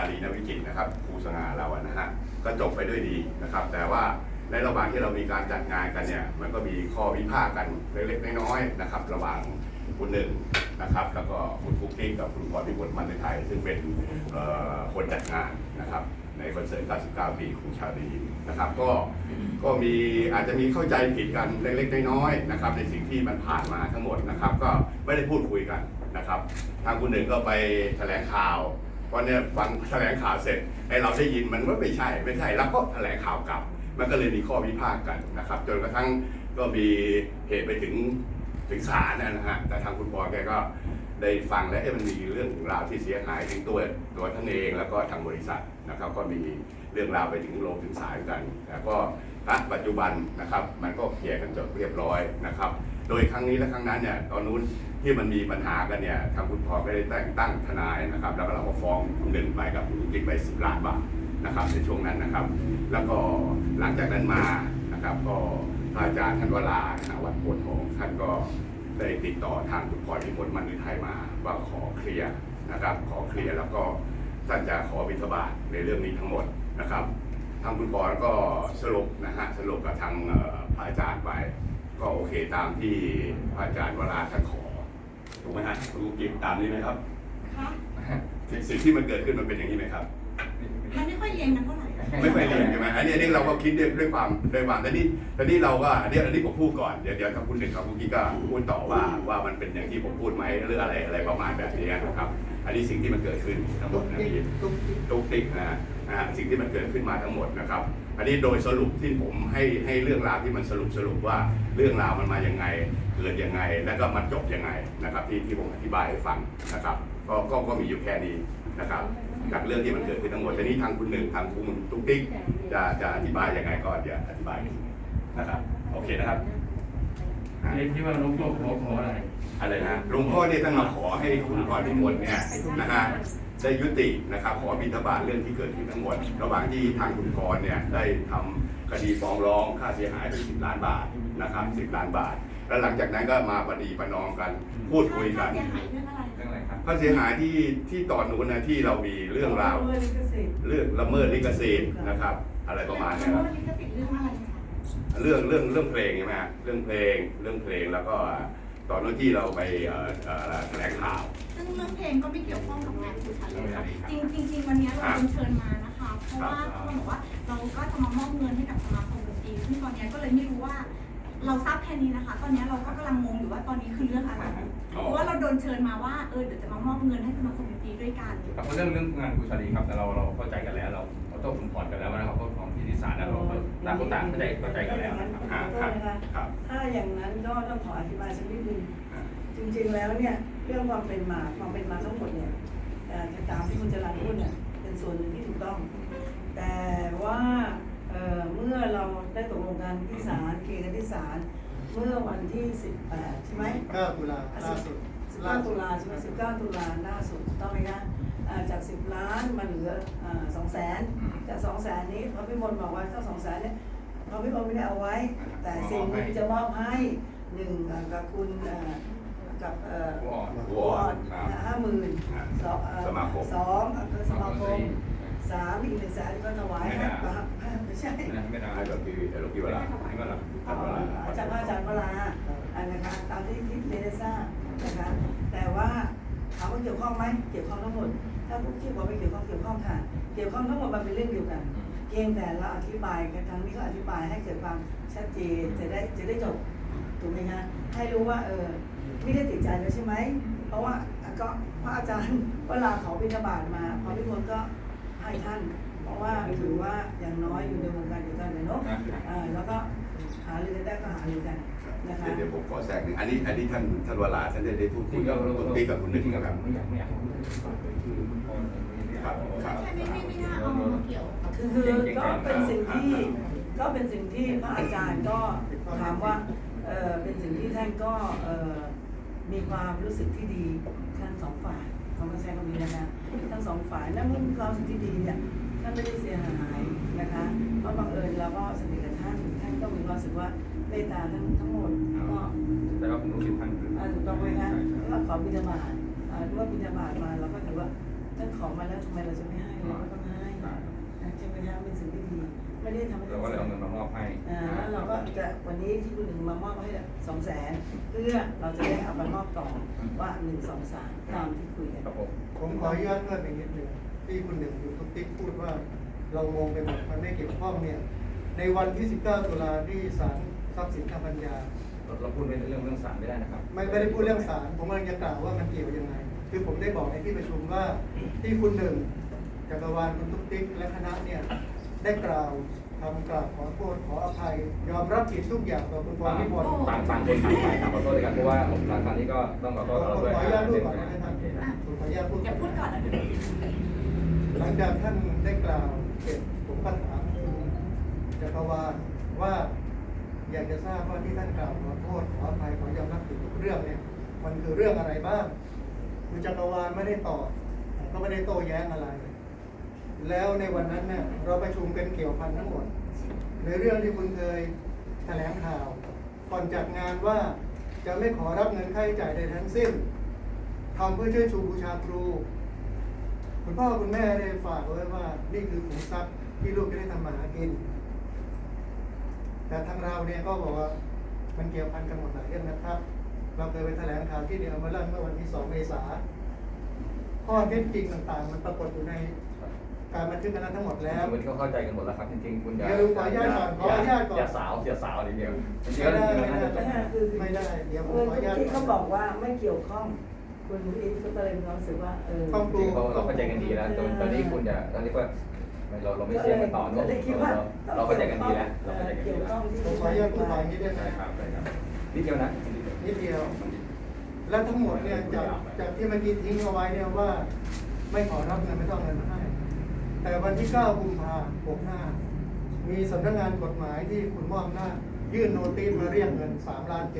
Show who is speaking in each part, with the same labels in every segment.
Speaker 1: ลีนวิจิตรนะครับครูสง่าเรานะฮะก็จบไปด้วยดีนะครับแต่ว่าในระหว่างที่เรามีการจัดงานกันเนี่ยมันก็มีข้อวิพากษ์กันเล็กๆน้อยๆนะครับระหว่างคุณหนึ่งนะครับแล้วก็คุณคุกกี้กับคุณพรพิบูลมันในไทยซึ่งเป็นคนจัดงานนะครับในคอนเสิร์ต 99 ปีครูชาลีนะครับก็มีอาจจะมีเข้าใจผิดกันเล็กๆน้อยๆนะครับในสิ่งที่มันผ่านมาทั้งหมดนะครับก็ไม่ได้พูดคุยกันนะครับทางคุณหนึ่งก็ไปแถลงข่าววันนี้ฟังแถลงข่าวเสร็จไอ้เราได้ยินมันว่าไม่ใช่แล้วก็แถลงข่าวกลับมันก็เลยมีข้อวิพากษ์กันนะครับจนกระทั่งก็มีเหตุไปถึงศาลนะฮะแต่ทางคุณปอแกก็ได้ฟังแล้วมันมีเรื่องราวที่เสียหายถึงตัวท่านเองแล้วก็ทางบริษัทนะครับก็มีเรื่องราวไปถึงโรงถึงศาลกันแต่ก็ปัจจุบันนะครับมันก็เคลียร์กันจบเรียบร้อยนะครับโดยครั้งนี้และครั้งนั้นเนี่ยตอนนู้นที่มันมีปัญหากันเนี่ยทางคุณปอก็ได้แต่งตั้งทนายนะครับแล้วก็เราก็ฟ้องคุณหนึ่งไปกับคุณกิ๊กไป10 ล้านบาทนะครับในช่วงนั้นนะครับแล้วก็หลังจากนั้นมานะครับก็พระอาจารย์ท่านวราวัดโพธิ์ทองท่านก็ได้ติดต่อทางคุณพรพิบูลมันในไทยมาว่าขอเคลียร์นะครับขอเคลียร์แล้วก็ท่านจะขอบิณฑบาตในเรื่องนี้ทั้งหมดนะครับทางคุณพรก็สรุปนะฮะสรุปกับทางพระอาจารย์ไปก็โอเคตามที่พระอาจารย์วราท่านขอถูกไหมฮะคุณกิ๊กตามนี้ไหมครับค่ะสิ่งที่มันเกิดขึ้นมันเป็นอย่างนี้ไหมครับ
Speaker 2: มันไม่ค่อยเรียนกันเท่าไหร่
Speaker 1: ไม่ค่อยเรียนใช่ไหมอันนี้เราก็คิดด้วยความแต่นี่เราก็อันนี้ผมพูดก่อนเดี๋ยวถ้าคุณหนึ่งกับคุณกี้ก็พูดต่อว่ามันเป็นอย่างที่ผมพูดไหมหรืออะไรประมาณแบบนี้นะครับอันนี้สิ่งที่มันเกิดขึ้นทั้งหมดนะพี่ตุ๊กติ๊กนะสิ่งที่มันเกิดขึ้นมาทั้งหมดนะครับอันนี้โดยสรุปที่ผมให้เรื่องราวที่มันสรุปว่าเรื่องราวมันมาอย่างไงเกิดยังไงแล้วก็มันจบยังไงนะครับที่ผมอธิบายให้ฟังนะครับก็มีอยู่แค่นี้นะครับจากเรื่องที่มันเกิดขึ้นทั้งหมดแต่นี้ทางคุณหนึ่งทางคุณตุ๊กติ๊กจะอธิบายยังไงก็เดี๋ยวอธิบายนะครับโอเคนะครับ
Speaker 3: ที่ว่าหลวงพ่อขออะไร
Speaker 1: นะหลวงพ่อเนี่ยท่านมาขอให้คุณพรพิบูลเนี่ยนะฮะได้ยุตินะครับขอบิณฑบาตเรื่องที่เกิดขึ้นทั้งหมดระหว่างที่ทางคุณกรเนี่ยได้ทำคดีฟ้องร้องค่าเสียหายไป10 ล้านบาทนะครับ10 ล้านบาทแล้วหลังจากนั้นก็มาปฏิประนอมกันพูดคุยกันค่าเสียหายที่ตอนนู้นนะที่เรามีเรื่องราวเรื่องละเมิดลิขสิทธิ์นะครับอะไรประมาณนี้ครับเรื่องเพลงใช่ไหมเรื่องเพลงแล้วก็ตอนนั้นที่เราไปแถลงข่าว
Speaker 2: ซึ่งเรื่องเพลงก็ไม่เกี่ยวข้องกับงานคุณชันเลยค่ะจริงวันนี้เราเชิญมานะคะเพราะว่าเขาบอกว่าเราก็จะมามอบเงินให้กับสมาคมดนตรีซึ่งตอนนี้ก็เลยไม่รู้ว่าเราทราบแค่นี้นะคะตอนนี้เราก็กำลังงงอยู่ว่าตอนนี้คือเรื่องอะไรเพราะว่าเราโดนเชิญมาว่าเดี๋ยวจะมามอบเงินให้สมาคมดนตรีด้วยกัน
Speaker 3: ครับเรื่องงานครูชาลีครับแต่เราเข้าใจกันแล้วเราต้องขุนผ่อนกันแล้วนะครับเพราะของที่ศาลเราต่างคนต่างเข้าใจกันแล้ว
Speaker 4: นะครับถ้าอย่างนั้นก็ต้องขออธิบายสักนิดนึงจริงๆแล้วเนี่ยเรื่องความเป็นมาทั้งหมดเนี่ยตามที่คุณจรัญพูดเนี่ยเป็นส่วนหนึ่งที่ถูกต้องแต่ว่าเมื่อเราได้ตกลงกันที่ศาลเคลียร์กันที่ศาลเมื่อวันที่18ใช่ไหม
Speaker 5: 9 ตุลาล่าสุด
Speaker 4: 19 ตุลาใช่ไหม19 ตุลาล่าสุดต้องไหมคะจาก10 ล้านมาเหลือ200,000จาก200,000นี้พระพิมลบอกว่าเจ้า200,000เนี่ยพระพิมลไม่ได้เอาไว้แต่สิ่งที่จะมอบให้1กับคุณกับ
Speaker 1: วอด
Speaker 4: 50,000
Speaker 1: สมาคม
Speaker 4: 3อีก100,000ก็ถวายให้ไม่ใช่
Speaker 1: ไม่ได้หรอกพี่เวลา
Speaker 4: อาจารย์เวลานะคะตามที่เรนซ่านะคะแต่ว่าถามว่าเกี่ยวข้องไหมเกี่ยวข้องทั้งหมดถ้าพวกที่บอกไม่เกี่ยวข้องค่ะเกี่ยวข้องทั้งหมดมันเป็นเรื่องเดียวกันเพียงแต่เราอธิบายกันทางนี้ก็อธิบายให้เกิดความชัดเจนจะได้จบถูกไหมคะให้รู้ว่าไม่ได้ติดใจแล้วใช่ไหมเพราะว่าก็พระอาจารย์เวลาขอบิณฑบาตมาพอพิมลก็ให้ท่านเพราะว่าถือว่าอย่างน้อยอยู่ในวงการเดียวกันเลยเนาะแล้วก็หาเรื่องได้ก็หาเรื่องกันนะคะ
Speaker 1: เดี๋ยวผมขอแทรกหนึ่งอันนี้ท่านวราท่านได้พูดคุยกับตุ๊กติ๊กกับคุณหนึ่งครับ
Speaker 2: ไม่น่าเอามาเกี่ยว
Speaker 4: คือก็เป็นสิ่งที่พระอาจารย์ก็ถามว่าเป็นสิ่งที่ท่านก็มีความรู้สึกที่ดีทั้ง2 ฝ่ายเขาก็ใช้คำนี้นะคะทั้ง2 ฝ่ายและเมื่อมีความรู้สึกที่ดีเนี่ยท่านไม่ได้เสียหายนะคะเพราะบังเอิญเราก็สนิทกับท่านก็มีความรู้สึกว่าเมตตาทั้งหมดก็
Speaker 3: แต่ว่าผมรู้สึกท่าน
Speaker 4: ถูกต้องไหมคะแล้วขอบิณฑบาตว่าบิณฑบาตมาเราก็ถือว่าท่านขอมาแล้วทำไมเราจะไม่ให้ไม่ได้ทำให้
Speaker 3: เราก็เลยเอาเงินมามอบให้
Speaker 4: แล้วเราก็จะวันนี้ที่คุณหนึ่งมามอบให้200,000เพื่อเราจะได้เอามามอบต่อว่า1 2 3ตามที่คุยกัน
Speaker 3: ครับผม
Speaker 5: ผมขออนุญาตเพิ่มอีกนิดหนึ่งที่คุณหนึ่งอยู่ทุกติ๊กพูดว่าเรางงไปหมดมันไม่เกี่ยวข้องเนี่ยในวันที่ 19 ตุลาที่ศาลทรัพย์สินทางปัญญา
Speaker 3: เราพูดเรื่องศาลไม่ได้นะครับ
Speaker 5: ไม่ได้พูดเรื่องศาลผมกำลังจะกล่าวว่ามันเกี่ยวยังไงคือผมได้บอกในที่ประชุมว่าที่คุณหนึ่งจักรวาลคุณทุกติ๊กและคณะเนี่ยได้กล่าวทำกล่าวขอโทษขออภัยยอมรับผิดทุกอย่างต่อคุณพรพิมล
Speaker 3: ต่างคนต่างไปขอโทษด้วยกันเพราะว่าหลังจากนี้ก็ต้องขอโทษเราด้วย
Speaker 5: ขออนุญาตพูดก่อน
Speaker 3: นะ
Speaker 5: นะครับผมขออนุญาตพูด
Speaker 2: เดี๋ยวพูดก่อนแล้วเดี๋ยว
Speaker 5: หลังจากท่านได้กล่าวเสร็จผมก็ถามจักรวาลว่าอยากจะทราบว่าที่ท่านกล่าวขอโทษขออภัยขอยอมรับผิดทุกเรื่องเนี่ยมันคือเรื่องอะไรบ้างคุณจักรวาลไม่ได้ตอบก็ไม่ได้โต้แย้งอะไร แล้วในวันนั้นเนี่ยเราประชุมกันเกี่ยวพันทั้งหมดในเรื่องที่คุณเคยแถลงข่าวก่อนจัดงานว่าจะไม่ขอรับเงินค่าใช้จ่ายใดทั้งสิ้นทำเพื่อช่วยชูบูชาครูคุณพ่อคุณแม่ได้ฝากไว้ว่านี่คือขุมทรัพย์ที่ลูกจะได้ทำมาหากินแต่ทางเราเนี่ยก็บอกว่ามันเกี่ยวพันกันหมดหลายเรื่องนะครับเราเคยไปแถลงข่าวที่เดียวมาเมื่อวันที่ 2 เมษายนข้อเท็จจริงต่างๆมันปรากฏอยู่ในการบันทึกกันนั้นทั้งหมดแล้ว
Speaker 3: วันนี้เขาเข้าใจกันหมดแล้วครับจริงๆคุณอย่า
Speaker 5: เดี๋ยวขออนุญาตก่อนขออนุญาตก่อน
Speaker 3: อย่าสาวนิดเดียวจริงๆ
Speaker 5: ไม่
Speaker 3: แล้ว
Speaker 5: ได้
Speaker 3: จริงๆแล้วน่าจะจบ
Speaker 5: ไม่ได้เดี๋ยวผม
Speaker 4: เมื่อ
Speaker 5: ขออนุญาต
Speaker 4: ที่เขาบอกว่าไม่เกี่ยวข้องคุณอีฟก็เลยมีความรู้สึกว่า
Speaker 5: ต้อง
Speaker 3: จริงๆเราเข้าใจกันดีแล้วตอนนี้คุณอย่าตอนนี้ก็เราไม่เสียกันต่อเนอะเราเข้าใจกันดีแล้วเราเข้าใจกันดี
Speaker 4: เกี่ยว
Speaker 3: แล้ว
Speaker 4: ข้องที่
Speaker 5: ผมขออนุญาตพูดไปอย่างนี้ได้ไหม
Speaker 3: ใช่ครับนิดเดียวนะ
Speaker 5: นิดเดียว และทั้งหมดเนี่ยจากที่เมื่อกี้ทิ้งเอาไว้เนี่ยว่า ไม่ขอรับเงินไม่ต้องเงินมาให้แต่วันที่ 9 กุมภาพันธ์ 65มีสำนักงานกฎหมายที่คุณมอบหน้าจยื่นโนติสมาเรียกเงิน3 ล้าน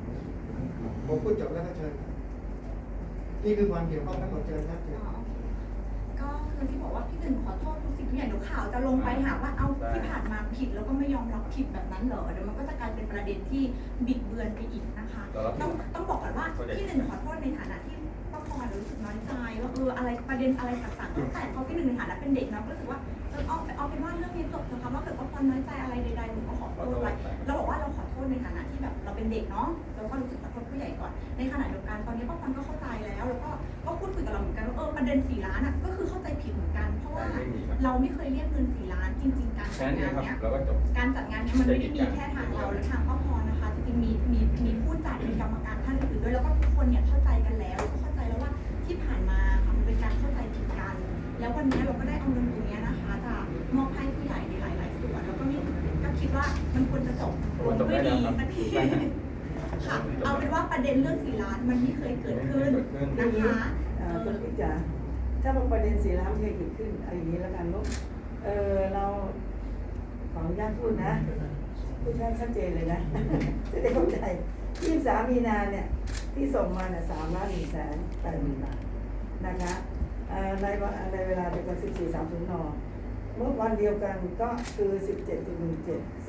Speaker 5: 7ผมพูดจบแล้วก็เชิญครับนี่คือความเกี่ยวข้องทั้งหมดเชิญครับเชิญ
Speaker 2: ก็คือที่บอกว่าพี่หนึ่งขอโทษทุกสิ่งทุกอย่างเดี๋ยวข่าวจะลงไปหาว่าเอาที่ผ่านมาผิดแล้วก็ไม่ยอมรับผิดแบบนั้นเหรอเดี๋ยวมันก็จะกลายเป็นประเด็นที่บิดเบือนไปอีกนะคะต้องบอกก่อนว่าพี่หนึ่งขอโทษในฐานะที่ป้าพรรู้สึกน้อยใจว่าอะไรประเด็นอะไรต่างๆตั้งแต่เขาพี่หนึ่งในฐานะเป็นเด็กนะก็รู้สึกว่าเอาเป็นว่าเรื่องนี้จบนะคะว่าเกิดป้าพรน้อยใจอะไรใดๆหนูก็ขอโทษไปเราบอกว่าเราขอโทษในฐานะที่แบบเราเป็นเด็กเนาะเราก็รู้สึกขอโทษผู้ใหญ่ก่อนในขณะเดียวกันตอนนี้ป้าพรก็เข้าใจแล้วก็พูดคุยกับเราเหมือนกันว่าประเด็น4 ล้านอ่ะก็คือเข้าใจผิดเหมือนกันเพราะว่าเราไม่เคยเรียกเงิน4 ล้านจริงๆการจัดงานเนี้ยการจัดงานเนี้ยมันไม่ได้มีแค่ทางเราและทางป้าพรนะคะจริงๆมีผู้จัดมีกรรมการท่านอื่นด้วยแล้วก็ทุกคนเนี่ยเข้าใจกันแล้วก็เข้าใจแล้วว่าที่ผ่านมาค่ะมันเป็นการเข้าใจผิดกันแล้ววันนี้เราก็ได้เอาเงินตรงนี้นะคะจะมอบให้ผู้ใหญ่ในหลายๆส่วนแล้วก็คิดว่ามันควรจะจบลงด้วยดีสักทีค่ะเอาเป็นว่าประเด็นเรื่อง4 ล้านมันไม่เคยเกิดขึ้นนะคะ
Speaker 4: คุณพี่จ๋าถ้าประเด็น4 ล้านเคยเกิดขึ้นเอาอย่างนี้แล้วกันลูกเราขออนุญาตพูดนะพูดให้ชัดเจนเลยนะจะได้เข้าใจ23 มีนาเนี่ยที่ส่งมาเนี่ย3,180,000 บาทนะคะในเวลาเดียวกัน14:30 น.เมื่อวันเดียวกันก็คือ 17.17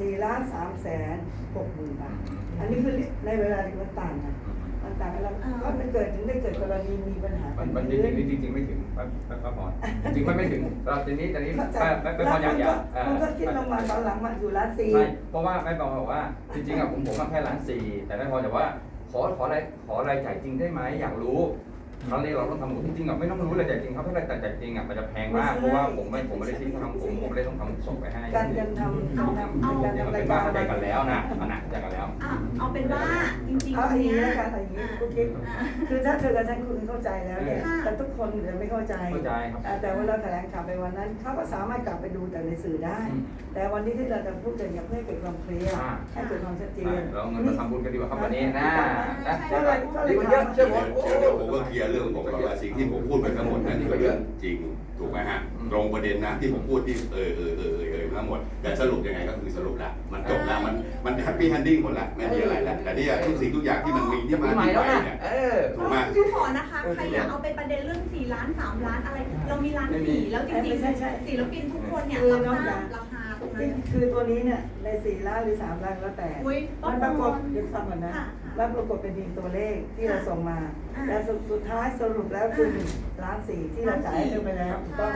Speaker 4: 4,360,000 บาทอันนี้คือในเวลาที่มันต่างกันมันต่างกันแล้วก็มันถึงได้เกิดกรณีมีปัญหา
Speaker 3: มันจริงไม่ถึงป้าพรจริงไม่ถึงตอนนี้ป้าพรอย่า
Speaker 4: มันก็คิดลงมาตอนหลังมาอยู่1.4 ล้าน
Speaker 3: ใช่เพราะว่าแม่บอกว่าจริงๆผมแค่1.4 ล้าน แต่แม่พรแต่ว่าขอรายจ่ายจริงได้ไหมอยากรู้ครั้งนี้เราต้องทำจริงๆไม่ต้องรู้รายจ่ายจริงครับถ้ารายจ่ายจริงมันจะแพงมากเพราะว่าผมไม่ได้ทิ้งทำผมไม่ได้ต้องทำส่งไปให้
Speaker 4: การทำ
Speaker 3: เป็นว่าเข้าใจกันแล้วนะเข้าใจกันแล้ว
Speaker 2: เอาเป็นว่าจริงๆ
Speaker 4: เอาอย่างนี้แล้วกันอย่างนี้กุ๊กกิ๊กคือถ้าเธอกับฉันคุณเข้าใจแล้วเนี่ยแต่ทุกคนเดี๋ยวไม่เข้าใจ
Speaker 3: ครับ
Speaker 4: แต่ว่าเราแถลงข่าวไปวันนั้นเขาก็สามารถกลับไปดูแต่ในสื่อได้แต่วันนี้ที่เราจะพูดกันอย่าเพื่อเกิดความเคลียร์ให้เกิดความชัดเจน
Speaker 3: เราเงินมาทำบุญกันดีกว่าครับวันนี้นะ
Speaker 5: ดีกว่าเยอะเชื่อผม
Speaker 1: เดี๋ยวผมก็เคลียร์เรื่องผมก่อนว่าสิ่งที่ผมพูดไปทั้งหมดนั่นนี่ก็เรื่องจริงถูกไหมฮะตรงประเด็นนะที่ผมพูดที่ทั้งหมดแต่สรุปยังไงก็คือสรุปแล้วมันจบแล้วมันแฮปปี้แฮนดิ้งหมดแล้วไม่มีอะไรแล้วแต่นี่ทุกสิ่งทุกอย่างที่มันมีที่มาที่ไปเนี่ยถูกไหม
Speaker 2: คือขอนะคะใครอยากเอาไปประเด็นเรื่อง4 ล้าน 3 ล้านอะไรเรามี1.4 ล้านแล้วจริงๆศิลปินทุกคนเนี่ยรับทราบราคาตรงนั้น
Speaker 4: คือตัวนี้เนี่ยใน4 ล้านหรือ3 ล้านแล้วแต่มันปรากฏยังฟังก่อนนะแล้วปรากฏเป็นเพียงตัวเลขที่เราส่งมาแต่สุดท้ายสรุปแล้วคือ1.4 ล้านที่เราจ่ายให้เธอไปแล้วถูกต้องไหม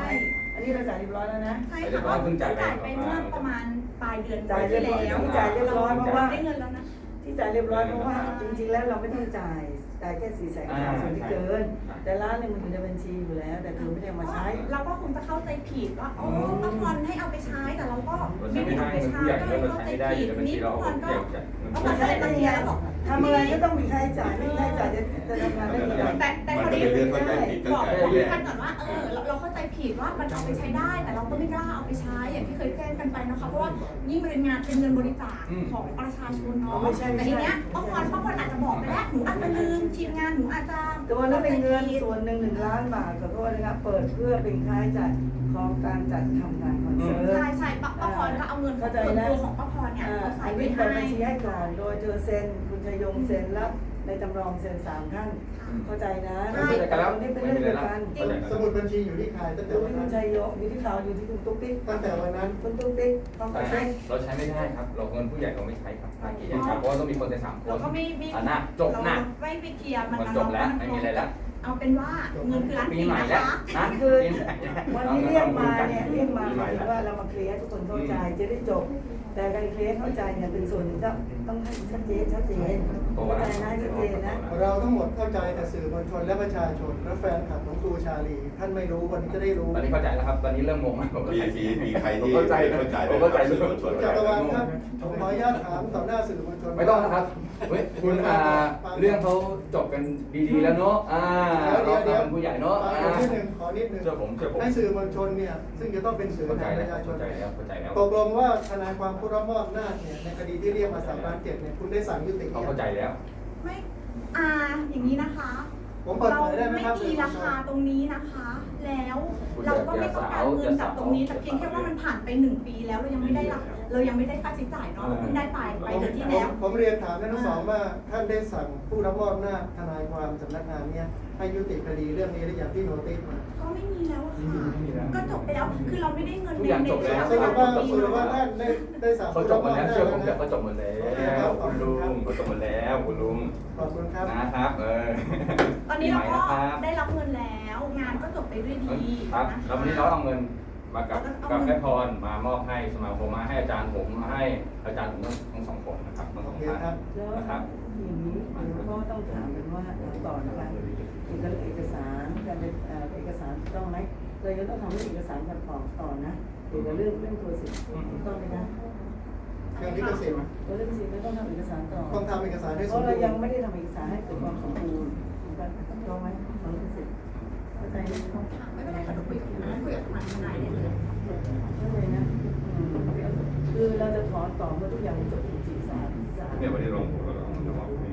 Speaker 4: อันนี้เราจ่ายเรียบร้อยแล้วนะ
Speaker 2: ใช่ค่ะเพิ่งจ่ายไปเมื่อประมาณปลายเดือนที่แล้ว
Speaker 4: จ่ายเรียบร้อยเพราะว่า
Speaker 2: ได้เงินแล้วนะ
Speaker 4: ที่จ่ายเรียบร้อยเพราะว่าจริงๆแล้วเราไม่ต้องจ่ายแค่400,000ส่วนที่เกิน แต่ล้านหนึงมันอยู่ในบัญชีอยู่แล้ว แต่คือไม่ได้เอามาใช้
Speaker 2: เราก็คงจะเข้าใจผิดว่าโอ้ป้าพรให้เอาไปใช้แต่เราก็
Speaker 3: เรา
Speaker 2: ไม่
Speaker 3: ใช้
Speaker 2: ได้
Speaker 3: ไม่ได้
Speaker 2: เอาไป
Speaker 3: เงิน
Speaker 2: ใช้
Speaker 3: ผู้ใหญ่
Speaker 2: ก็เลย
Speaker 3: เงินเรา
Speaker 2: เข้า
Speaker 3: ใช้
Speaker 2: ใจ
Speaker 3: ไม่ได้
Speaker 2: ผิด
Speaker 3: เดี๋ยวบัญชีเราเอาเกี่ยวกับ
Speaker 2: นี่ป้าพรก็ป้าพรก็เลยมาเรียนแล้วบอก
Speaker 4: ทำอะไรก็ต้องมีค่าใช้จ่ายไม่มีค่าใช้จ่ายจะทำงานได้ยังไง
Speaker 2: แต่พอดีบอกท่านก่อนว่าเราเข้าใจผิดว่ามันเอาไปใช้ได้ แต่เราก็ไม่กล้าเอาไปใช้อย่างที่เคยแจ้งกันไปนะคะเพราะว่ายิ่งเป็นงานเป็นเงินบริจาคของประชาชนเนาะแต่ทีเนี้ยป้าพรอาจจะบอกไปแล้วหนูอาจจะลืมทีมงานหนูอาจจะ
Speaker 4: ตัวนั้นเป็นเงินส่วนหนึ่ง1 ล้านบาทขอโทษนะครับเปิดเพื่อเป็นค่าใช้จ่ายของการจัดทำงานคอนเสิร์ต
Speaker 2: ใช่ป้าพรก็เอาเงินส่วนตัวของป้าพรเนี่ยเอาใส่
Speaker 4: อัน
Speaker 2: ไว้
Speaker 4: นี้เปิ
Speaker 2: ให้
Speaker 4: ดบัญชีให้ก่อนโดยเธอเซ็นคุณชยงเซ็นแล้วในจำลองเซ็น3 ท่านเข้าใจนะนี่เป็นเรื่องเดียวกัน
Speaker 5: สมุดบัญชีอยู่ที่ใครตั้งแต่
Speaker 4: อยู่
Speaker 5: วัน
Speaker 4: ที่คุ
Speaker 5: นั้
Speaker 4: ณ
Speaker 5: น
Speaker 4: ชัยยงอยู่ที่เขาอยู่ที่คุณตุ๊กติ๊ก
Speaker 5: ตั้งแต่วันนั้น
Speaker 4: คุณตุ๊กติ๊กต้องไปเช็ค
Speaker 3: เราใช้ไม่ได้ครับ เราเงินผู้ใหญ่เราไม่ใช้ครับภาคีครับเพราะว่าต้องมีคนใน3 คน
Speaker 2: เราก็ไม่
Speaker 3: อ่ะนะจบนะ
Speaker 2: ไม่ไปเคลียร์มัน
Speaker 3: จบแล้วไม่มีอะไรแล้ว
Speaker 2: เอาเป็นว่าเงินคือล้าน
Speaker 3: ปี
Speaker 2: สี่
Speaker 3: ใหม่
Speaker 2: นะ
Speaker 3: แล้ว
Speaker 2: คะ
Speaker 3: นะ
Speaker 4: คือ
Speaker 3: ปีใหม่แล้ว
Speaker 4: วันนี้เรียกมาเนี่ยเรียกมาหมายถึงว่าเรามาเคลียร์ให้ทุกคนเข้าใจจะได้จบ แต่การเคลียร์เข้าใจเนี่ยเป็นส่วนหนึ่งต้องให้ชัดเจนเข้าใจนะชัดเจนนะ
Speaker 5: เราทั้งหมดเข้าใจแต่สื่อมวลชนและประชาชนและแฟนคลับของครูชาลีท่านไม่รู้วันนี้จะได้รู้
Speaker 3: ตอนนี้เข้าใจแล้วครับ ตอนนี้เริ่มงงแล้วผม
Speaker 1: มีใครที่
Speaker 3: เข้าใจ
Speaker 1: เข้าใจ
Speaker 3: ผมเข้าใจ
Speaker 1: สื่อมวลชน
Speaker 5: จักรวาลครับผมขออนุญาตถามต่อหน้าสื่อมวลชน
Speaker 3: ไม่ต้องนะครับเฮ้ยคุณเรื่องเขาจบกันดีๆแล้วเนาะเราเป็นผู้ใหญ่เนาะ
Speaker 5: ขอนิดนึงขอนิดนึง
Speaker 3: เชื่อผม
Speaker 5: ให้สื่อมวลชนเนี่ยซึ่งจะต้องเป็นสื่อ
Speaker 3: เข้าใจ
Speaker 5: แทนป
Speaker 3: แล้ว
Speaker 5: ระชาช
Speaker 3: เข้าน ใจแล้ว
Speaker 5: ตกลงว่าทนายความผู้รับมอบอำนาจเนี่ยในคดีที่เรียกมา3 ล้าน 7เนี่ยคุณได้สั่งยุติ
Speaker 3: เขาเข้าใจแล้ว
Speaker 2: ไม่อย่างนี้นะคะ
Speaker 5: ผมเปิด
Speaker 2: เรา
Speaker 5: เผยได้ไหม
Speaker 2: ไม่
Speaker 5: ครับ
Speaker 2: มีราคาตรงนี้นะคะ แล้วเราก็ไม่ต้องการเงินจากตรงนี้แต่เพียงแค่ว่ามันผ่านไป1 ปีแล้วเรายังไม่ได้ค่าใช้จ่ายเนาะเราเพิ่งได้ไปเดือนที่แล้ว
Speaker 5: ผมเรียนถามท่านทั้งสองว่าท่านได้สั่งผู้รับมอบอำนาจทนายความสำนักงานเนี่ยให้ยุติคดีเรื่องนี้หรือยังที่โนติสมา
Speaker 2: ก็ไม่มีแล้วอะค่ะก็จบไปแล้วคือเราไม่ได้เงิน
Speaker 3: ทุกอย่างจบแล้ว
Speaker 5: สรุปว่าท่านได้สั่ง
Speaker 3: เขา
Speaker 5: ผู้
Speaker 3: จ
Speaker 5: รั
Speaker 3: บบ ห
Speaker 5: ม
Speaker 3: ม
Speaker 5: อบ
Speaker 3: ดแล้ว
Speaker 5: อำนาจ
Speaker 3: เชื่อผม
Speaker 5: นะ
Speaker 3: เดี๋ยวเขาจบหมดแล้วคุณลุงเขาจบหมดแล้วคุณลุง
Speaker 5: ขอบคุณครับ
Speaker 3: นะครับ
Speaker 2: ตอนนี้เราก็ได้รับเงินแล้วงานก็จบไปด้วยดี
Speaker 3: ครับ
Speaker 2: นะคะ
Speaker 3: แล้ววันนี้เราเอาเงินมากับแม่พรมามอบให้สมาคมมาให้อาจารย์ผมมาให้อาจารย์ผมทั้ง2 คนนะครับทั้ง
Speaker 5: โอ
Speaker 3: 2
Speaker 5: เค
Speaker 3: ท่าน
Speaker 5: ครับ
Speaker 4: แล้ว
Speaker 3: นะครับ
Speaker 4: อย่างนี้ก็ต้องถามกันว่าต่อนะคะเอกสารการเป็นเอกสารต้องไหมเราจะต้องทำเรื่องเอกสารกันต่อนะเกี่ยวกับเรื่องตัวสิทธิ์ต้องไหมนะ
Speaker 5: เรื่องลิขสิทธิ์
Speaker 4: เรื่องสิทธิ์ไม่ต้องทำเอกสารต่อ
Speaker 5: ต้องทำเอกสารให้
Speaker 4: เพ
Speaker 5: สม
Speaker 4: ราะ
Speaker 5: บู
Speaker 4: เรา
Speaker 5: ร
Speaker 4: ยัง
Speaker 5: ณ์
Speaker 4: ไม่ได้ทำเอกสารให้เกิดความสมบูรณ์ต้องไหมของลิขสิทธิ์เข้าใจไหมเข้า
Speaker 2: ไม่เป็นไรค่ะเดี๋ยวคุยกับทนายได้เลย
Speaker 4: ใจนะคือเราจะถอนต่อเมื่อทุกอย่างจบจริงๆสาร
Speaker 3: เนี่ยวันนี้ลงผมก็ต้องมอบให้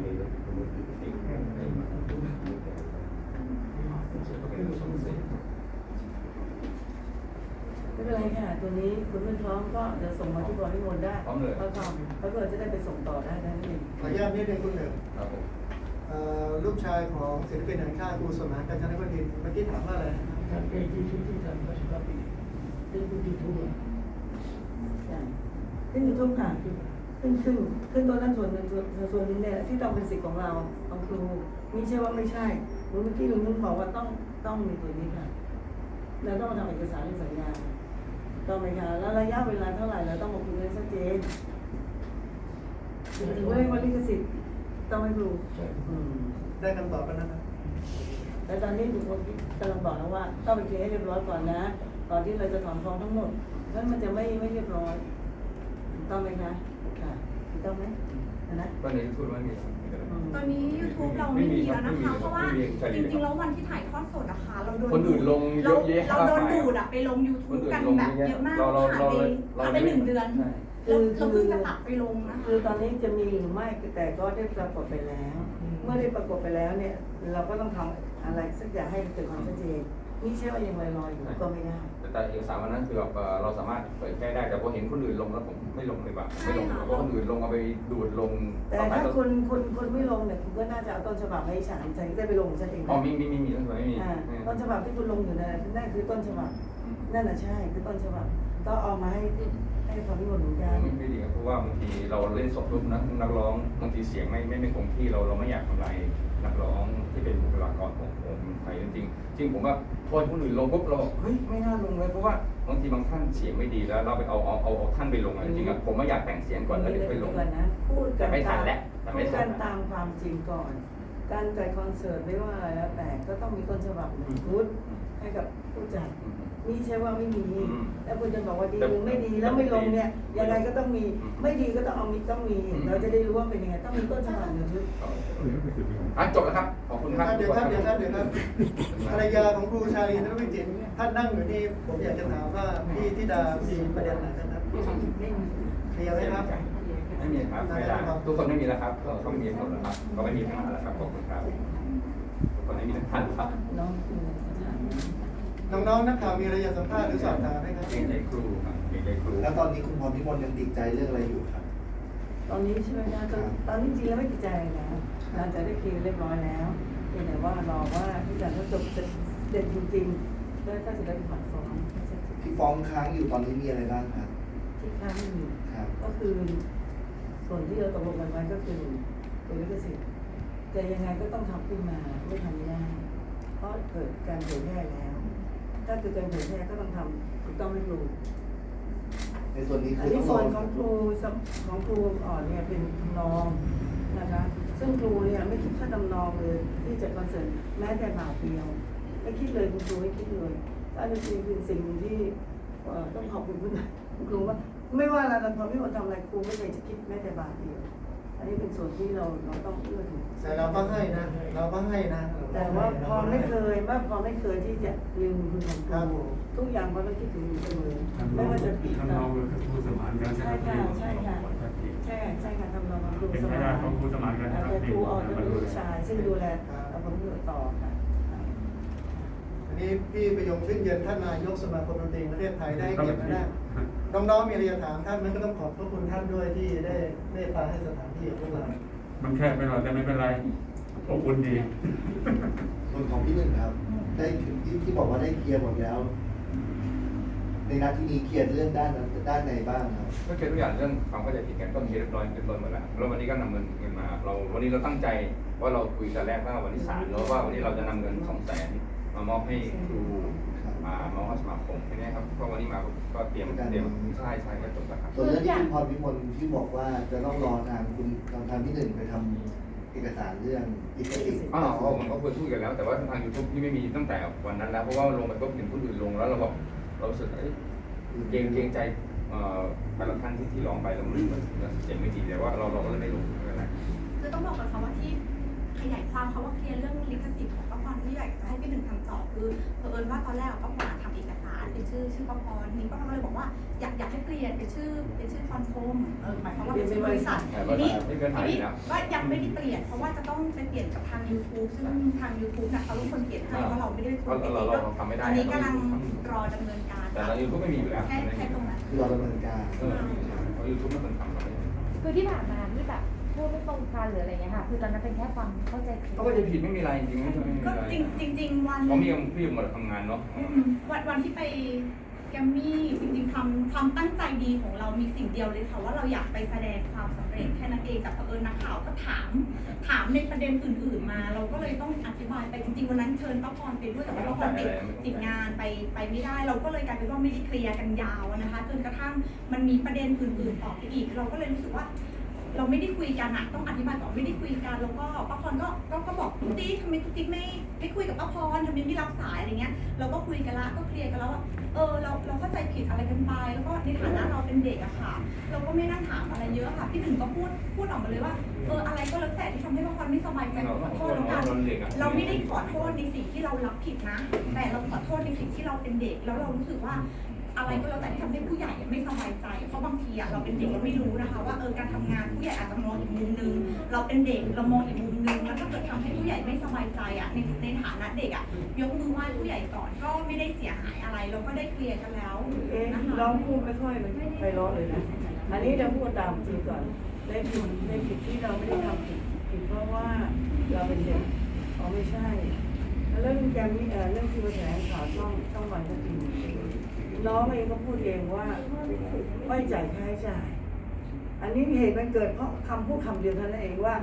Speaker 4: ไม่เป็นไรค่ะตัวนี้คุณไม่พร้อมก็เดี๋ยวส่งมาที่บริวารได้แล้วก็จะได้ไปส่งต่อได้นั่นเอง
Speaker 5: ขออนุญาตนิดนึงคุณหนึ่ง
Speaker 3: ครับผม
Speaker 5: ลูกชายของศิลปินแห่งชาติครูสมานกาญจนวดินทร์เมื่อกี้ถามว่าอะไร
Speaker 4: ขึ้นยูทูบค่ะขึ้นตัวนั้นส่วนหนึ่งส่วนนึงเนี่ยที่ต้องเป็นสิทธิ์ของเราของครูไม่ใช่ว่าไม่ใช่เมื่อกี้ลุงนุ่นบอกว่าต้องมีตัวนี้ค่ะเราต้องมาทำเอกสารสัญญาต้องไหมคะแล้วระยะเวลาเท่าไหร่เราต้องมาคุยกันชัดเจนถึงเรื่องวันลิขสิทธิ์ต้องให้ครู
Speaker 5: ได้คำตอบแล้วนะครับ
Speaker 4: แต่ตอนนี้ถูกคนกำลังบอกแล้วว่าต้องไปเคลียร์ให้เรียบร้อยก่อนนะก่อนที่เราจะถอนฟ้องทั้งหมดเพราะมันจะไม่เรียบร้อยต้องไหมคะค่ะต้องไหมนะ
Speaker 3: ตอนนี้พูดว่ามี
Speaker 2: ตอนนี้ YouTube เราไม่มีแล้วนะคะ เพราะว่าจริงๆแล้ววันที่ถ่ายทอดสดนะคะเราโดน
Speaker 3: คนอื่นลงเยอะแยะ
Speaker 2: เราโดนดูดไปลง YouTube กันแบบเยอะมากผ่านไป1 เดือนเราเพิ่งจะตัดไปลงนะคะ
Speaker 4: คือตอนนี้จะมีหรือไม่แต่ก็ได้ปรากฏไปแล้ว เมื่อได้ปรากฏไปแล้วเนี่ยเราก็ต้องทำอะไรสักอย่างให้เกิดความชัดเจนนี่ใช่ว่ายังลอยๆอยู่ก็ไม่ได้
Speaker 3: แต่เอกสารวันนั้นคือแบบเราสามารถเผยแพร่ได้แต่พอเห็นคนอื่นลงแล้วผมไม่ลงเลยแบบไม่ลงเพราะคนอื่นลงเอาไปดูดลง
Speaker 4: แต่ถ้าคุณไม่ลงเนี่ยคุณก็น่าจะเอาต้นฉบับให้ฉันได้ไปลงฉันเอง
Speaker 3: อ๋อมีต้องไม่มี
Speaker 4: ต้นฉบับที่คุณลงอยู่นั่นคือต้นฉบับนั่นน่ะใช่คือต้นฉบับก็เอามาให้ความนิยมเหมือนกัน
Speaker 3: ไม่ดีครับเพราะว่าบางทีเราเล่นสดรูปนักร้องบางทีเสียงไม่คงที่เราไม่อยากทำลายนักร้องที่เป็นบุคลากรของผมไทยจริงๆจริงผมว่าพอคนอื่นลงปุ๊บเราบอกเฮ้ยไม่น่าลงเลยเพราะว่าบางทีบางท่านเสียงไม่ดีแล้วเราไปเอาท่านไปลงจริงๆผมไม่อยากแต่งเสียงก่อนแล้วเดี๋ยวไปลง
Speaker 4: นะพูด
Speaker 3: แต่
Speaker 4: กัน
Speaker 3: ไม่ทันแล้วแต่
Speaker 4: พู
Speaker 3: ไม่
Speaker 4: ด
Speaker 3: ทั
Speaker 4: กัน น
Speaker 3: แล้ว
Speaker 4: ตามความจริงก่อน การจัดคอนเสิร์ตไม่ว่าอะไรแล้วแต่ก็ต้องมีต้นฉบับหนึ่งชุดให้กับผู้จัดนี่ใช่ว่าไม่มีแล้วคุณจะบอกว่าดีหรือไม่ดีแล้วไม่ลงเนี่ยยังไงก็ต้องมีไม่ดีก็ต้องเอามีต้องมี เราจะได้รู้ว่าเป็นยังไงต้องมีต้นฉบับหนึ่งชุด
Speaker 3: จบแล้วครับขอบคุณครับ
Speaker 5: เดี๋ยวครับภรรยาของครูชาลีนวิจิตรท่านนั่งอยู่นี่ผมอยากจะถามว่าพี่ธิดามีประเด็นอะไรนะครับเคลียร์ไหมครับ
Speaker 3: ไม่มีครับไม่ได้ทุกคนไม่มีแล้วครับเขาไม่มีหมดแล้วครับก็ไม่มีปัญหาแล้วครับขอบคุณครับทุกคนไม่มีปัญหาครับ
Speaker 4: น้องครู
Speaker 5: น้องๆนักข่าวมีอะไรอยากสัมภาษณ์หรือสอบถามไหมครับ
Speaker 3: เกรงใจครูครับเกรงใจครู
Speaker 6: แล้วตอนนี้คุณพรพิมลยังติดใจเรื่องอะไรอยู่ครับ
Speaker 4: ตอนนี้ใช่ไหมนะตอนนี้จริงแล้วไม่ติดใจนะหลังจากได้เคลียร์เรียบร้อยแล้วเพียงแต่ว่ารอว่าที่จะจบเด็ดจริงๆแล้วก็จะได้ผัดฟ้อง
Speaker 6: ที่ฟ้องค้างอยู่ตอนนี้มีอะไรบ้างครับ
Speaker 4: ที่ค้างอยู่
Speaker 6: ครับ
Speaker 4: ก็คือส่วนที่เราตกลงกันไว้ก็คือตัวลิขสิทธิ์แต่ยังไงก็ต้องทำขึ้นมาไม่ทำไม่ได้เพราะเกิดการเผยแพร่แล้ว ถ้าเกิดการเผยแพร่ก็ต้องทำถูกต้องไม่ถูก
Speaker 6: ในส่วนนี้
Speaker 4: อั
Speaker 6: คื
Speaker 4: น
Speaker 6: อ
Speaker 4: นี้
Speaker 6: ต้องร
Speaker 4: ส่
Speaker 6: อ
Speaker 4: วนของครูอ่อนเนี่ยเป็นทำนองนะคะซึ่งครูเนี่ยไม่คิดค่าทำนองเลยที่จะคอนเสิร์ตแม้แต่บาทเดียวไม่คิดเลยคุณครูไม่คิดเลยอันนี้คือสิ่งที่ต้องขอบคุณคุณครูว่าไม่ว่าเราทำไม่ว่าทำอะไรครูไม่เคยจะคิดแม้แต่บาทเดียวอันนี้เป็นส่วนที่เราต้องเอื้อถึง
Speaker 5: แต่เราก็ให้นะ
Speaker 4: แต่ว่าพอไม่เคยที่จะลืมคุณของค
Speaker 5: ครับ
Speaker 4: รูทุกอย่างพอต้องคิดถึงอยู่เสมอไม่ว่าจะผิด
Speaker 7: ทำนองกับครูสมานการ
Speaker 4: ใช่ค่ะใช่ค่ะใช่ค่ะทำนองของครู
Speaker 7: เป็น
Speaker 4: ส
Speaker 7: ไม่
Speaker 4: มาน
Speaker 7: ได้ของครูสมานการ
Speaker 4: แต่ครูออกเป็นลูกชายซึ่งดูแลผลประโยชน์ต่อค่ะ
Speaker 5: อันนี้พี่ประยงชื่นเย็นท่านนายกสมาคมดนตรีประเทศไทยได้เกียรติมาได้น้องๆมีอะไรจะถามท่านมันก็ต้องขอบพระคุณท่านด้วยที่ได้เมตตาให้สถานที่ของพวกเรา
Speaker 7: มันแคบไปหน่อยแต่ไม่เป็นไรอบอุ่นดี
Speaker 6: ส่วนของพี่หนึ่งครับ ได้ที่บอกว่าได้เคลียร์หมดแล้ว ในนัดที่นี้เคลียร์เรื่องด้านไหนบ้างครับ
Speaker 3: ก็เคลียร์ทุกอย่างเรื่องความเข้าใจผิดกันก็เคลียร์เรียบร้อยเป็นต้นหมดแล้วแล้ววันนี้ก็นำเงินมาวันนี้เราตั้งใจว่าเราคุยกันแรกว่าวันที่3แล้วว่าวันนี้เราจะนำเงิน200,000มามอบให้ครูมามอบให้สมาคมแค่นี้ครับเพราะวันนี้มาก็เตรียมใช่ก็จบแล้วครับ
Speaker 6: ส่วนเรื่องที่คุณพรพิมลที่บอกว่าจะต้องรอทางพี่หนึ่งไปทำเอกสารเรื่องลิขสิทธิ์
Speaker 3: มันก็ควรพูดกันแล้วแต่ว่าทาง YouTube ที่ไม่มีตั้งแต่วันนั้นแล้วเพราะว่าลงไปก็เห็นคนอื่นลงแล้วเรารู้สึกเกรงใจแต่ละท่านที่ร้องไปแล้วมันเสียงไม่ดีแต่ว่าเราก็เลยไม่ลงอะไร
Speaker 2: คือต้องบอกก่อนค่ะว่าที่ขยายความเขาว่าเคลียร์เรื่องลิขสิทธิ์ของป้าพรที่อยากจะให้พี่หนึ่งทำต่อคือเผอิญว่าตอนแรกป้าพรทำเอกสารเป็นชื่อป้าพรทีนี้ป้าพรก็เลยบอกว่าอยากให้เปลี่ยนเป็นชื่อคอนโทมหมายความว่าเป็นชื่อบริษัททีนี้ว่ายังไม่ได้เปลี่ยนเพราะว่าจะต้องไปเปลี่ยนกับทาง YouTube ซึ่งทาง YouTube นะเขาเป็นคนเปลี่ยนให้เพราะเราไม่ได้เป็นคนเปลี่ยนเองก็อันนี้กำลังรอดำเนินการ
Speaker 3: แต่ใน YouTube ไม่มีอยู่แล้ว
Speaker 2: แค่ตรงนั้น
Speaker 6: คือเราดำเนินการ
Speaker 3: เพราะ YouTube ไม่เป็นทำเราไม่
Speaker 8: คือที่ผ่านมาที่แบบพูดไม่ตรงกันหรืออะไรเงี้ยค่ะ คือตอนนั้นเป็นแค่ความเข้าใจผิด
Speaker 3: เขาก็จะผิดไม่มีอะไรจริงๆไม่มี
Speaker 2: ก็
Speaker 3: อะไร
Speaker 2: จริงวัน
Speaker 3: เพราะพี่หมดทำงานเนาะ
Speaker 2: วันที่ไปแกมมี่จริงๆความตั้งใจดีของเรามีสิ่งเดียวเลยค่ะว่าเราอยากไปแสดงความสำเร็จแค่นั้นเองแต่เผอิญนักข่าวก็ถามในประเด็นอื่นๆมา เราก็เลยต้องอธิบายไปจริงๆวันนั้นเชิญป้าพรไปด้วยแต่ว่าป้าพรติดงานไปไม่ได้ เราก็เลยกลายเป็นว่าไม่ได้เคลียร์กันยาวนะคะจนกระทั่งมันมีประเด็นอื่นๆออกไปอีกเราก็เลยรู้สึกว่า เราไม่ได้คุยกันอะต้องอธิบายก่อนไม่ได้คุยกันแล้วก็ป้าพรก็บอกตุ๊กติ๊กทำไมตุ๊กติ๊กไม่คุยกับป้าพรทำไมไม่รับสายอะไรเงี้ยเราก็คุยกันละก็เคลียร์กันแล้วว่าเราเข้าใจผิดอะไรกันไปแล้วก็ในฐานะเราเป็นเด็กอะค่ะ เราก็ไม่นั่งถามอะไรเยอะค่ะพี่หนึ่งก็พูดออกมาเลยว่าอะไรก็แล้วแต่ที่ทำให้ป้าพรไม่สบายใจขอโทษแล้วกันเราไม่ได้ขอโทษในสิ่งที่เรารับผิดนะแต่เราขอโทษในสิ่งที่เราเป็นเด็กแล้วเรารู้สึกว่า อะไรก็แล้วแต่ที่ทำให้ผู้ใหญ่ไม่สบายใจเพราะบางทีเราเป็นเด็กเราไม่รู้นะคะว่าการทำงานผู้ใหญ่อาจจะมองอีกมุมนึงเราเป็นเด็กเรามองอีกมุมนึงแล้วถ้าเกิดทำให้ผู้ใหญ่ไม่สบายใจในฐานะเด็กยกมือไหว้ผู้ใหญ่ก่อนก็ไม่ได้เสียหายอะไรเราก็ได้เคลียร์กันแล้วนะคะ
Speaker 4: ร้องพูดไม่ค่อยไปร้องเลยนะอันนี้เราพูดตามจริงก่อนได้ผิดที่เราไม่ได้ทำผิดเพราะว่าเราเป็นเด็กไม่ใช่เรื่องการนี้เรื่องที่มาแถลงข่าวช่องวันก็จริงน้องเองก็พูดเองว่าไม่จ่ายค่าใช้จ่ายอันนี้เหตุมันเกิดเพราะคำพูดคำเดียวเท่านั้นเองว่า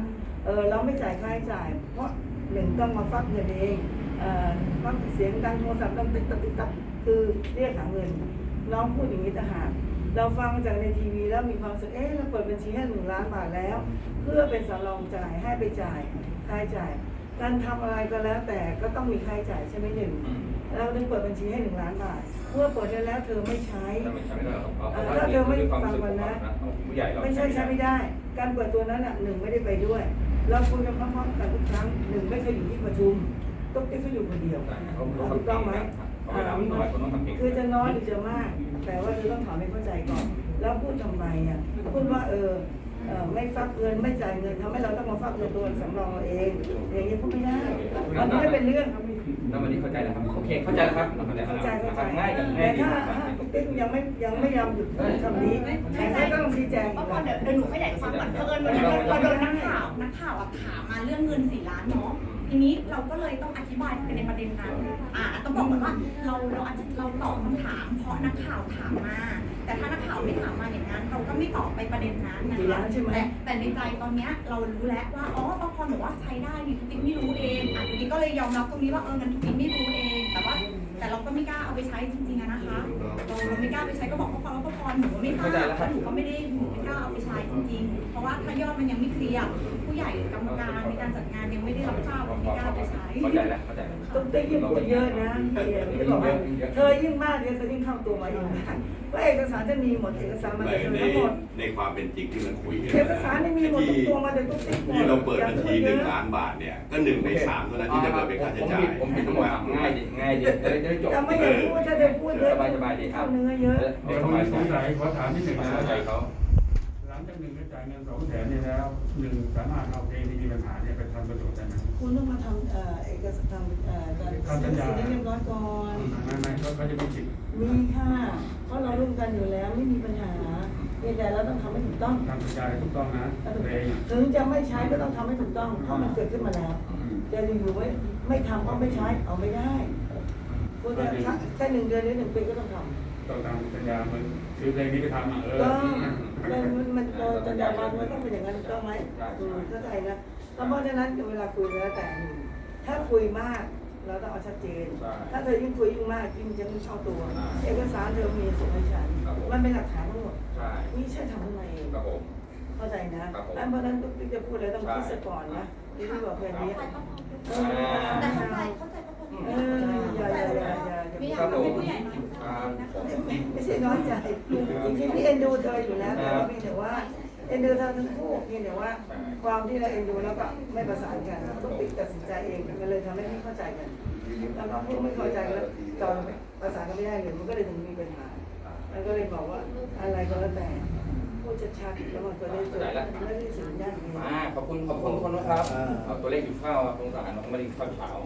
Speaker 4: เราไม่จ่ายค่าใช้จ่าย เพราะหนึ่งต้องมาฟักเงินเองฟักเสียงดังโทรศัพท์ดังติ๊กตักติ๊กตักคือเรียกหาเงินน้องพูดอย่างนี้ต่างหากเราฟังจากในทีวีแล้วมีความรู้สึกเราเปิดบัญชีให้1 ล้านบาทแล้ว เพื่อเป็นสำรองจ่ายให้ไปจ่ายค่าใช้จ่ายการทำอะไรก็แล้วแต่ก็ต้องมีค่าใช้จ่ายใช่ไหมหนึ่งเราถึงเปิดบัญชีให้1 ล้านบาทเมื่อเปิดได้แล้วเธอไม่ใช้ ถ้าเธอไม่ฟังก่อนนะไม่ใช่ใช้ไม่ได้ การเปิดตัวนั้นหนึ่งไม่ได้ไปด้วย เราคุยกันพร้อมๆกันทุกครั้งหนึ่งไม่เคยอยู่ที่ประชุมตุ๊กติ๊กเขาอยู่คนเดียวถูกต้องไหมคือจะน้อยหรือจะมาก แต่ว่าเธอต้องถามให้เข้าใจก่อน แล้วพูดทำไมพูดว่าไม่ฟักเงินไม่จ่ายเงินทำให้เราต้องมาฟักเงินตัวสำรองเราเองอย่างนี้พูดไม่ได้มันไม่เป็นเรื่อง
Speaker 3: แล้ววันนี้เข้าใจแล้วครับโอเคเข้าใจแล้วครับง่ายกับง่า
Speaker 4: แต่
Speaker 3: ยดี
Speaker 4: ถ้าตุ๊กติ๊กยังไม่ยอมหยุดคำนี้ใครก็ต้องชี้แจง
Speaker 2: เพราะเดี๋ยวหนูขยายความก่อนเพิ่นเราโดนนักข่าวถามมาเรื่องเงิน4 ล้านเนาะทีนี้เราก็เลยต้องอธิบายในประเด็นนั้นต้องบอกก่อนว่าเราตอบคำถามเพราะนักข่าวถามมา แต่ถ้านักข่าวไม่ถามมาอย่างนั้นเราก็ไม่ตอบไปประเด็นนั้นนะคะแต่ในใจตอนนี้เรารู้แล้วว่าปพบอกว่าใช้ได้นี่ทุกติ๊กไม่รู้เองทุกติ๊กก็เลยยอมรับตรงนี้ว่างั้นทุกติ๊กไม่รู้เองแต่เราก็ไม่กล้าเอาไปใช้จริงๆนะคะเราไม่กล้าไปใช้ก็บอกปพแล้วปพหนูไม่กล้าหนูก็ไม่กล้าเอาไปใช้จริงๆเพราะว่าถ้ายอดมันยังไม่เคลียร์ผู้ใหญ่กรรมการในการจัดงานยังไม่ได้รับทราบเราไม่กล้าไปใช้
Speaker 3: เข้าใจแล้ว
Speaker 4: ตุ๊กติ๊กยิ่งพูดเยอะนะที่บอกว่าเธอยิ่งมากเธอยิ่งเข้าตัวมาเองว่าเอกสารจะมีหมดเอกสารมาจากทั้งหมด
Speaker 1: ในความเป็นจริงที่มันคุยกัน
Speaker 4: เอกสารไม่มีหมดทุกตัวมาจากตุ๊กติ๊กหมด
Speaker 1: ที่เราเปิดบัญชี1 ล้านบาทเนี่ยก็1 ใน 3เท่านั้นที่จะเกิดเป็นค่าใช้จ่าย
Speaker 3: ผมผิดทั้งหมดง่ายดีจะได้จบ
Speaker 4: จะไม่อยากพูดถ้าจะพูดเยอะ
Speaker 3: สบายดีครั
Speaker 4: เข้า
Speaker 3: บ
Speaker 4: เนื้อเยอะ
Speaker 7: เดี๋ยวผมสงสัยขอถามนิดหนึ่งนะ
Speaker 3: เข้าใจเขา
Speaker 7: หลังจาก1ได้จ่ายเงิน200,000นี่แล้ว1สามารถเอาเองที่มีปัญหาเนี่ยไปทำประโยชน์ได้ไหม
Speaker 4: คุณต้องมาทำเอกสารการเซ็นสัญญาเรียบร้อยก่อน
Speaker 7: ไม่เขาจะมีสิทธิ์
Speaker 4: มีค่ะเพราะเราร่วมกันอยู่แล้วไม่มีปัญหาแต่เราต้องทำให้ถูกต้อง
Speaker 7: ทำสัญญาถูกต้องนะเลย
Speaker 4: ถึงจะไม่ใช้ก็ต้องทำให้ถูกต้องเพราะมันเกิดขึ้นมาแล้วจะอยู่ไม่ทำเพราะไม่ใช้เอาไม่ได้คุณจะแค่1 เดือนหรือ1 ปีก็ต้องทำ
Speaker 7: ต้องทำสัญญามันซื้อเพลงนี้ไปทำ
Speaker 4: ก็มันสัญญามันต้องเป็นอย่างนั้นถูกต้องไหมเข้าใจนะเพราะฉะนั้นเวลาคุยแล้วแต่ถ้าคุยมากเราต้องเอาชัดเจนถ้าเธอยิ่งคุยยิ่งมากยิ่งจะไม่ชอบตัวเอกสารเธอมีส่งให้ฉันมันเป็นหลักฐานทั้งหมดนี่ใช่ทำขึ้นมาเองเข้าใจนะเพราะฉะนั้นทุกที่จะพูดแล้วต้องคิดซะก่อนนะที่บอกแค่นี้
Speaker 2: แต่เข้าใจ
Speaker 4: อย่า
Speaker 2: ไม่อยากเป็นผู้ใหญ่น้อยใจนะคะ
Speaker 4: ไม่ใช่น้อยใจจริงๆพี่เอ็นดูเธออยู่แล้วแต่ว่าเพียงแต่ว่าเอ็นดูเธอทั้งคู่เพียงแต่ว่าความที่เราเอ็นดูแล้วก็ไม่ประสานกันทุกติ๊กตัดสินใจเองมันเลยทำให้ไม่เข้าใจกันแล้วก็พูดไม่เข้าใจแล้วตอนประสานกันไม่ได้เลยมันก็เลยถึงมีปัญหามันก็เลยบอกว่าอะไรก็แล้วแต่พูดชัดๆแล้วมันก็ได้จบไม่ได้สัญญาณ
Speaker 3: ขอบคุณคนนะครับเอาตัวเลขอยู่ข้าวสงสารน้องมาดิข้าวเช้า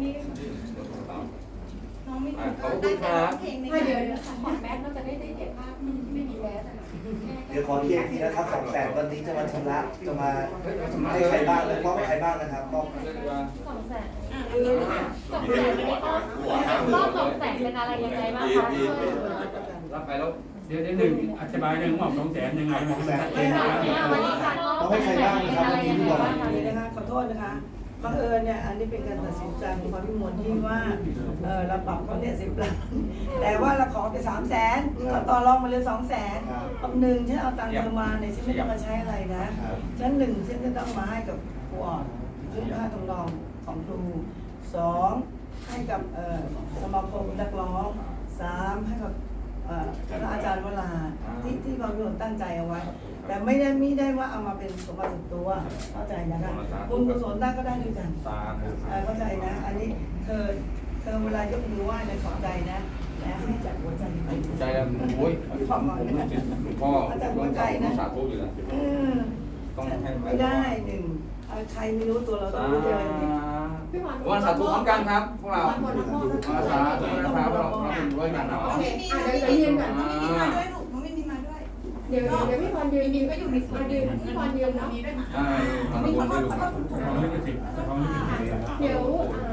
Speaker 2: น้องไม่ถูก
Speaker 3: ขอบคุณครับ
Speaker 2: เพลงใน
Speaker 8: ไม่เดี๋ยวถอดแมสก็จะได้เห็นภาพไม่มีแมสอะ
Speaker 6: เดี๋ยวขอเคลียร์ทีนะครับ200,000วันนี้จะมาชำระจะมาให้ใครบ้างและมอบให้ใครบ้างนะครับมอบ
Speaker 8: รอบ200,000เป็นอะไรยังไงบ้างคะ
Speaker 3: รับไปแล้ว
Speaker 7: เดี๋ยวหนึ่งอธิบายหนึ่งว่า200,000ยังไงมันชัดเจนนะ
Speaker 8: วันนี้การมอบ200,000เป็นอะไรยังไงบ้างคะ
Speaker 4: นี่นะคะขอโทษนะคะบังเอิญเนี่ยอันนี้เป็นการตัดสินใจของความพิมลที่ว่าเราปรับเขาเนี่ย10 ล้านแต่ว่าเราขอไป300,000เราต่อรองมาเลย200,000เอา1ฉันเอาตังค์เธอมาเนี่ยฉันไม่ต้องมาใช้อะไรนะฉัน1ฉันจะต้องมาให้กับครูอ่อนชุดค่าทำนองของครู2ให้กับสมาคมนักร้อง3ให้กับพระอาจารย์วราที่ความพิมลตั้งใจเอาไว้แต่ไม่ได้ว่าเอามาเป็นสมบัติส่วนตัวเข้าใจนะคะบุญกุศลได้ก็ได้ด้วยกันเข้าใจนะอันนี้เธอเวลายกมือไหว้ในขอบใจนะและให้จากหัวใจไป
Speaker 3: ใจแล้วโอ้ยผมพ่อสาธุอยู่แล้วต้องให้
Speaker 4: ไม่ได้ใครไม่รู้ตัวเราต้องรู้เลย
Speaker 3: วันสาธุพร้อมกันครับพวกเราวันสาธุนะครับเราเป็นด้วยกันเนาะ
Speaker 2: ไม่มีมาด้วยลูกน้องไม่มีมาด้วย
Speaker 8: เดี๋ยวพี่พรยืน
Speaker 2: ก็อยู่ในส่วนยืนพี่พรยืนเนาะมีด้วยนะมีขอโทษ
Speaker 7: ของลิขสิทธิ์ของลิขสิทธิ์
Speaker 8: เดี๋ยว